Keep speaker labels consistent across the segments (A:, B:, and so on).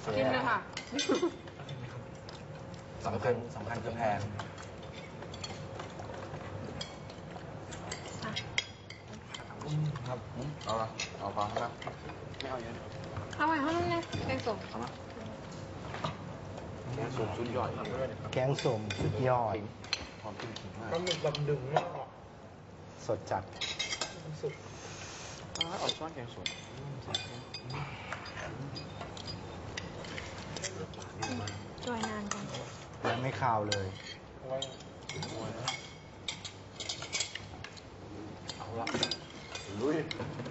A: กินเลยค่ะ
B: สำคัญคือแพงครับเอาปลาครับไม่เอาเยอะ
A: เอาไว้ห้องนั้นเนี่ยแกงส้มเอามา
B: แกงส้มชุดย่อย
C: แกงส้มสุดยอด
B: หอมกลิ่นขิงมาก
D: ปลาหมึกแบบดึงมากอ่ะ
C: สดจัด
D: สุด
B: เอาช้อนแกงส้ม
A: จอยนานจัง
C: ยังไม่คาวเลย
D: เอาไว้
B: เอาละลุย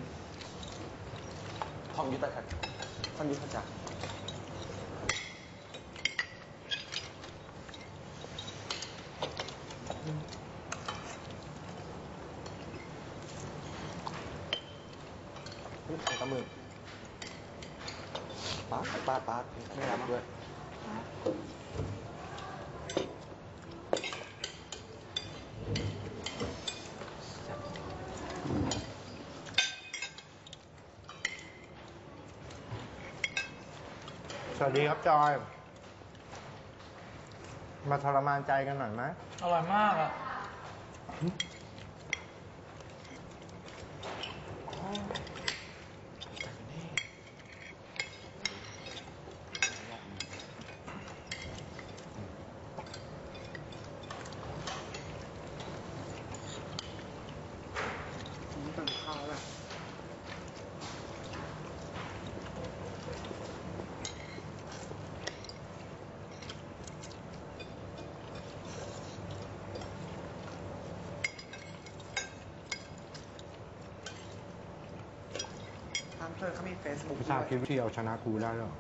B: ท่องยุทธจักรท่องยุทธจักรใส่กระมือปาดไม่รับด้วย
C: สวัสดีครับจอย มาทรมานใจกันหน่อยไหม
D: อร่อยมากอ่ะตั้งข้าวแล้วเขามี Facebook
C: ไม่ทราบคิดวิธีเอาชนะครูได้หรอ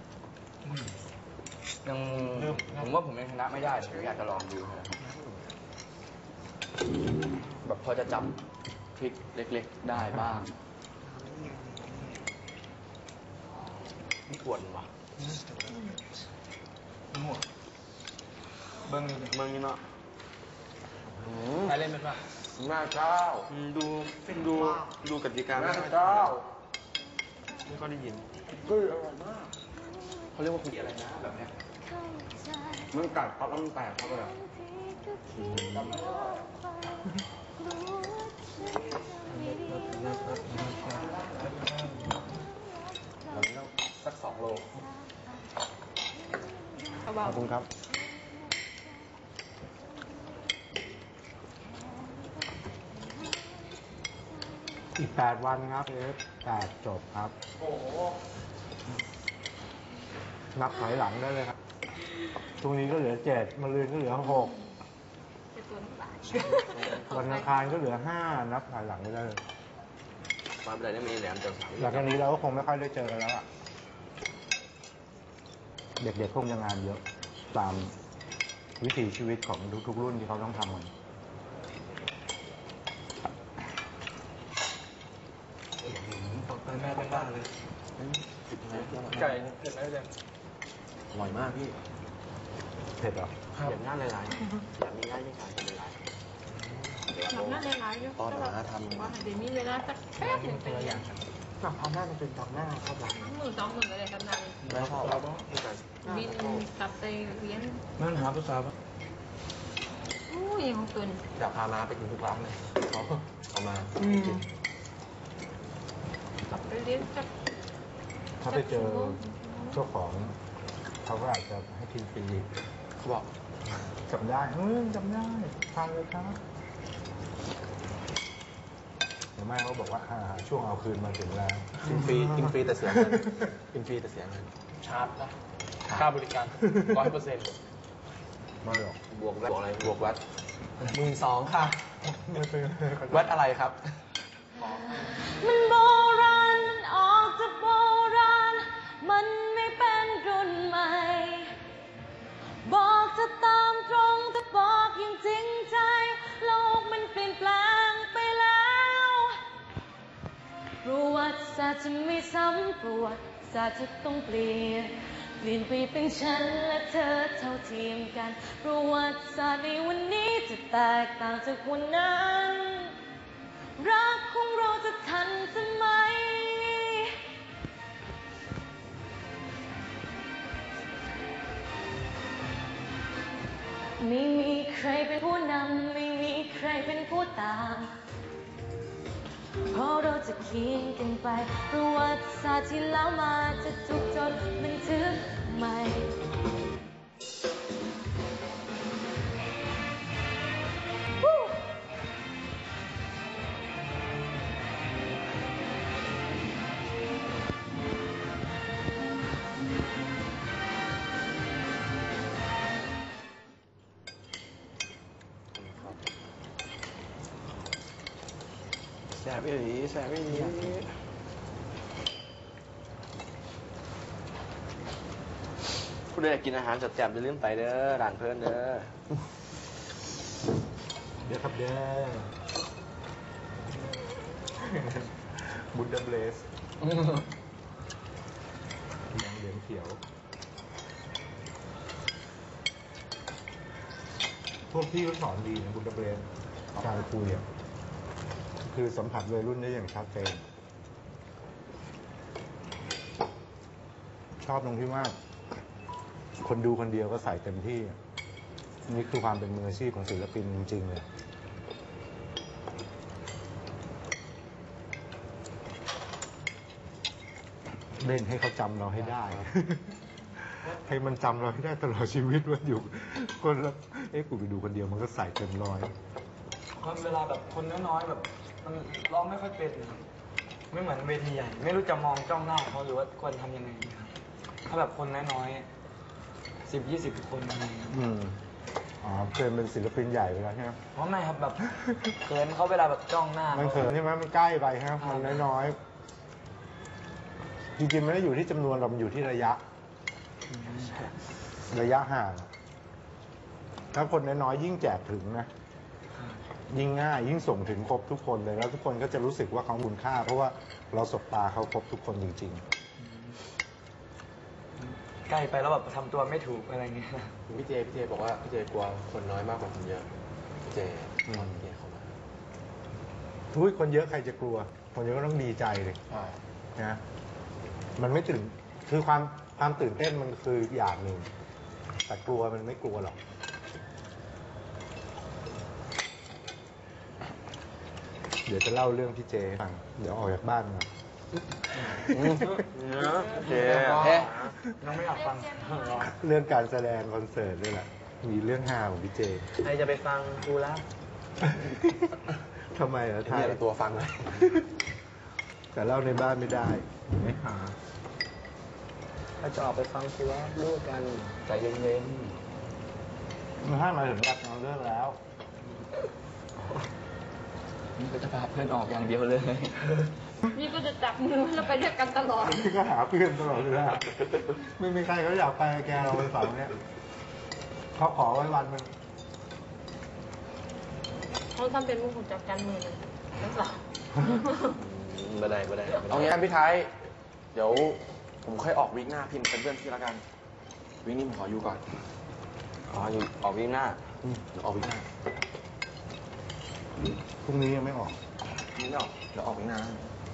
B: ยังผมว่าผมยังชนะไม่ได้ผมอยากจะลองดูครับแบบพอจะจับทริคเล็กๆได้บ้างนี่ปวดว่ะเบิ้งนี่เนาะ
D: ใครเล่นเป็นป่ะ
B: หน้าเจ้าดูกติกาหน้าเจ้าไม่ก็ได้ยินอร่อยมากเขาเรียกว่าคุยอะไรนะแบบเนี้ยมันกัดปั๊บแล้วมันแตกเข้าไปเลยเราต้องสัก2 โล
C: ขอบคุณครับ อีก8 วันครับ8จบครับ
D: โอ้โห
C: นับถอยหลังได้เลยครับพรุ่งนี้ก็เหลือ7มะรืนก็เหลือ6วันอังคารก็เหลือ5นับถอยหลังไม่ได้เลย
B: มาเป็นไรได้มีแหลมจังสาม
C: หลังจากนี้เราก็คงไม่ค่อยได้เจอกันแล้วอ่ะ เด็กๆคงจะงานเยอะตามวิถีชีวิตของทุกๆรุ่นที่เขาต้องทำกัน
D: ไปแม่เป็นบ้านเลย ไก่เผ็ดไหมเจม
B: อร่อยมากพี่
C: เผ็ดเหรอ
B: อยากง่ายหลายๆอยากมีง่ายไม่ขายหลาย
A: ทำหน้าหลายๆอยู่
B: ตอนหาทำ
A: ว่าเดี๋ยวมีเวลาสักแป๊บหนึ่งเป็นอย่าง
D: เอาหน้ามันเป็นตอกหน้าครับหลัง
A: มือ2 มืออะไรกันนั่น
B: ไม่ชอบไม่ไก่
A: บินกลับไปเรียน
D: นั่นหาภาษาปะ
A: อู้ยของตุน
B: อยากพามาไปกินทุกร้านเลยเอามา
A: กลับไปเรียนสัก
C: ถ้าไปเจอเจ้าของเขาก็อาจจะให้กินฟรี
B: เขาบอก
C: จำได้จำได้ทานเลยครับหรือไม่เขาบอกว่าช่วงเอาคืนมาถึงแล้ว
B: กินฟรีแต่เสียเงินกินฟรีแต่เสียเงิน
D: ชาร์จนะค่าบริการ 100%
C: ไม่หรอก
B: บวกอะไรบวกวัด
D: 12,000 ค่ะ
B: วัดอะไรครับ
A: มันโบราณมันออกจากโบราณมันไม่เป็นรุ่นใหม่บอกจะตามตรงจะบอกอย่างจริงใจโลกมันเปลี่ยนแปลงไปแล้วประวัติศาสตร์จะไม่ซ้ำประวัติศาสตร์จะต้องเปลี่ยนไปเป็นฉันและเธอเท่าเทียมกันประวัติศาสตร์ในวันนี้จะแตกต่างจากวันนั้นรักของเราจะทันสมัยรเป็นผู้นำไม่มีใครเป็นผู้ตามเพราะเราจะเขียนกันไปประวัติศาสตร์ที่แล้วมาจะถูกจดบันทึกใหม่
D: แสบอีหลีแสบอีหลีผู้ใดอยากกินอาหารจัดแจ่มอย่าลืมไปเด้อร้านเพื่อนเด้อ
C: เดี๋ยวครับเด้อบุดเดเบลสเหลืองเขียวพวกพี่ก็สอนดีนะบุดเดเบลสการคุยอ่ะคือสัมผัสวัยรุ่นได้อย่างชัดเจนชอบตรงที่ว่าคนดูคนเดียวก็ใส่เต็มที่นี่คือความเป็นมืออาชีพของศิลปินจริงๆเลยเล่นให้เขาจำเราให้ได้ ให้มันจำเราให้ได้ตลอดชีวิตว่าอยู่คนละกูไปดูคนเดียวมันก็ใส่เต็มร้อย
E: เวลาแบบคนน้อยๆแบบมันร้องไม่ค่อยเป็นไม่เหมือนเวทีใหญ่ไม่รู้จะมองจ้องหน้าเขาหรือว่าควรทำยังไงดีครับถ้าแบบคนน้อยๆ10-20 คนอะไรอย่างเงี้ย
C: อ๋อเคยเป็นศิลปินใหญ่ไปแล้วใช่ไหม
E: เพราะไม่ครับแบบเขินเขาเวลาแบบจ้องหน้า
C: มันเขินใช่ไหมมันใกล้ไปครับมันน้อยๆจริงๆไม่ได้อยู่ที่จำนวนเรามันอยู่ที่ระยะห่างถ้าคนน้อยๆยิ่งแจกถึงนะยิ่งง่ายยิ่งส่งถึงครบทุกคนเลยแล้วทุกคนก็จะรู้สึกว่าเขาคุณค่าเพราะว่าเราสบตาเขาครบทุกคนจริง
E: ใกล้ไปแล้วแบบทำตัวไม่ถูกอะไรเงี้ย
D: พี่เจบอกว่าพี่เจกลัวคนน้อยมากกว่าคนเยอะพี่เจพี่เจเข้ามา
C: อุ้ยคนเยอะใครจะกลัวคนเยอะก็ต้องดีใจเลยนะมันไม่ตื่นคือความตื่นเต้นมันคืออย่างหนึ่งแต่กลัวมันไม่กลัวหรอกเดี๋ยวจะเล่าเรื่องพี่เจให้ฟังเดี๋ยวออกจากบ้านมา
D: เจ
E: น้องไม่อยากฟัง
C: เรื่องการแสดงคอนเสิร์ตด้วยแหละมีเรื่องฮาของพี่เจ
E: ใครจะไปฟังกูแล้ว
C: ทำไมเหรอ
D: ถ่ายตัวฟังเลย
C: แต่เล่าในบ้านไม่ได้ไม่หา
E: ถ้าจะออกไปฟังกูแล้วรู้กันใจเย็น
C: มันให้มาถึงแบบเราเลิกแล้ว
E: นี่ก็จะพาเพื่อนออกอย่างเดียวเลย
A: นี่ก็จะจับมือแล้วไปด้วยกันตลอด
C: พี่ก็หาเพื่อนตลอดเวลาไม่มีใครเขาอยากไปแกเราไปฝังเนี้ยเขาขอไว้วันนึง
A: เขาทำเป็นมุกของจับกันมือเลยทั้งสอง
D: ไม่ได้เอางี้กันพี่ไทยเดี๋ยวผมค่อยออกวีคหน้าพี่เป็นเพื่อนพี่ละกันวีคนี้ผมขออยู่ก่อนอยู่ออกวีคหน้าออกวีคหน้า
C: พรุ่งนี้ยังไม่ออก
D: นี่ไม่ออกเดี๋ยวออกวีคหน้า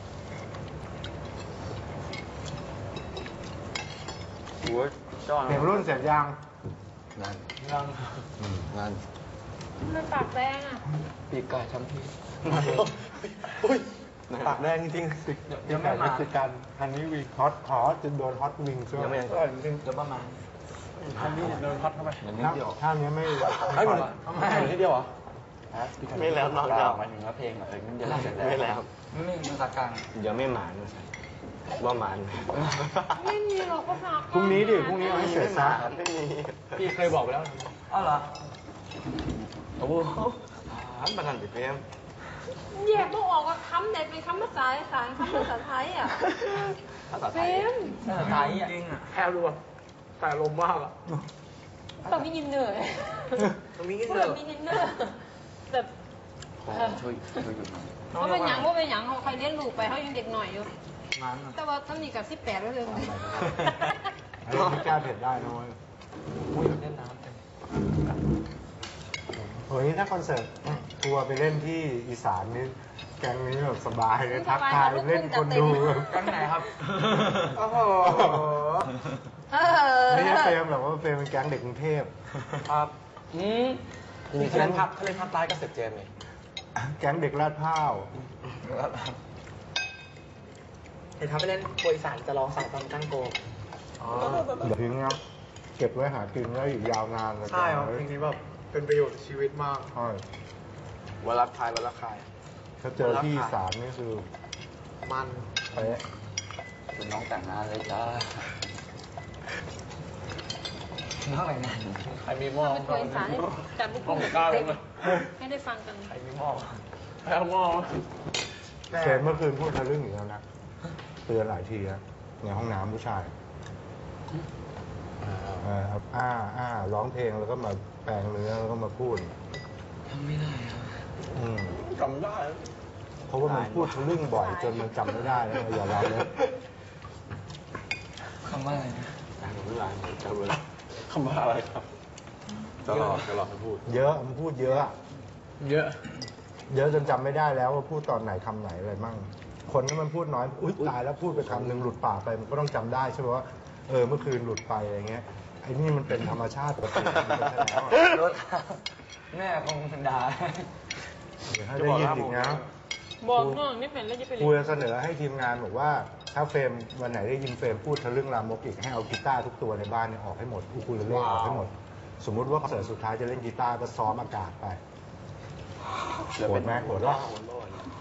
D: โอ้ยจ้อน
C: เพลงรุ่นเสร็จยัง
D: งาน
E: ยัง
D: งาน
A: มันปากแดงอ่ะ
E: ปีกไก่ทั้งที
D: อุ้ยปากแดงจริง
C: เดี๋ยวไม่คือการฮันนี่วิงฮอตจะโดนฮอตวิงช่ว
D: ยังไม่
E: จริงจะประมาณอันนี้โดนพัดเข้าไป
C: ถ้านี้ไม่
D: ให้หมดนิดเดียวเหรอ
B: ไม่แล้วน้องจะ
D: หมายถึงว่าเพลงเดี๋ยวเสร็จ
B: ไม่แล้ว
E: ไม่ภาษากลาง
D: เดี๋ยวไม่หมานว่าหมาน
A: ไม่มีหรอกก็พา
C: พรุ่งนี้พรุ่งนี้เอาให้เสร็จซะ
B: ไม่มี
E: พี่เคยบอกไปแล้วอ้าวเหรอ
D: โอ้โหมันนั่นติเพม
A: แยกต้องออกว่าคำไหนเป็นคำภาษาอีสานคำภาษาไทยอ่ะ
D: ภาษาไท
A: เฟ
D: ย
A: ม
E: ภาษาไทยจริงอ่ะแค่รู้แต่ลมมากอ่ะ
A: ต้องมียินเนอร์
E: ต้องมีกิน
A: พูด
E: เน
A: แบ
E: อบ
A: มียินเนอร์แบบ
D: ช่วยหยุดหน่อย
A: ว่าเป็นหยังว่าเป็นหยังเขาใครเลี้ยงลูกไปเขายังเด็กหน่อยอยู่
E: นั้น
A: แต่ว่าต้องมีกับ18แล้วเลย
C: อันนี้ไม่กล้าเผ็ดได้น้อย
E: อุ้ยเล่นน้ำเต็ม
C: เฮ้ยถ้าคอนเสิร์ตทัวร์ไปเล่นที่อีสานนี่แกงนี้แบบสบายเลยทักทายเล่นคนดู
E: กันไหนครับ
C: โอ้โหไม่ใช่เฟรมหรอกว่าเฟรมเป็นแก๊งเด็กกรุงเทพ
E: ครับ
D: จริงๆถ้าเล่นภาคใต้ก็เสร็จเจมส์เลย
C: แก๊งเด็กลาดพร้าว
E: เห็นทำไปเล่นโปรยสารจะร้องสายตอนตั้งโก
C: เดี๋ยวทิ้งนะเก็บไว้หากินได้อีกยาวนานเลย
E: ใช่ครับเพลงนี้แบบเป็นประโยชน์กับชีวิตมาก
C: ใช่
D: วันรักคายวันรักคาย
C: ถ้าเจอที่อีสารนี่คือ
E: มัน
C: เป๊ะ
B: คุณน้องแต่งงานเลยจ้า
E: เท่าไหร่นะ
D: ใครมีหม้อ
A: เป็นตัวอีสานให้จำพวกคุณให้ได้ฟังกัน
E: ใครมีหม้อ
D: ใครเอาหม้อ
C: เชนเมื่อคืนพูดทะลึ่งอีกแล้วนะเตือนหลายทีนะในห้องน้ำผู้ชายครับร้องเพลงแล้วก็มาแปลงเนื้อแล้วก็มาพูด
E: ทำไม่ได้ครับ
D: จำได้
C: เพราะว่ามันพูดทะลึ่งบ่อยจนมันจำไม่ได้แล้วอย่าเราเลย
E: คำว่าอะไรนะ
D: จำเลยคำว่าอะไรครับตลอดให้พูด
C: เยอะมันพูดเยอะ
E: เยอะ
C: เยอะจนจำไม่ได้แล้วว่าพูดตอนไหนคำไหนอะไรมั่งคนที่มันพูดน้อยอุ๊ยตายแล้วพูดไปคำหนึ่งหลุดปากไปมันก็ต้องจำได้ใช่ไหมว่าเมื่อคืนหลุดไปอะไรเงี้ยไอ้นี่มันเป็นธรรมชาติปกติมันเป็นไปแล้ว
E: รถแม่คงด่า
C: เดี๋ยวให้ได้ยินอีกนะ
A: บอกน้องนี่เป็นแล้วจะเป็น
C: ครูจะเสนอให้ทีมงานบอกว่าถ้าเฟรมวันไหนได้ยินเฟรมพูดทะลึ่งลามกอีกให้เอากีตาร์ทุกตัวในบ้านเนี่ยออกให้หมดอูคูเลเล่ออกให้หมด สมมุติว่าคอนเสิร์ตสุดท้ายจะเล่นกีตาร์ก็ซ้อมอากาศไปโหดไหมโหดวะ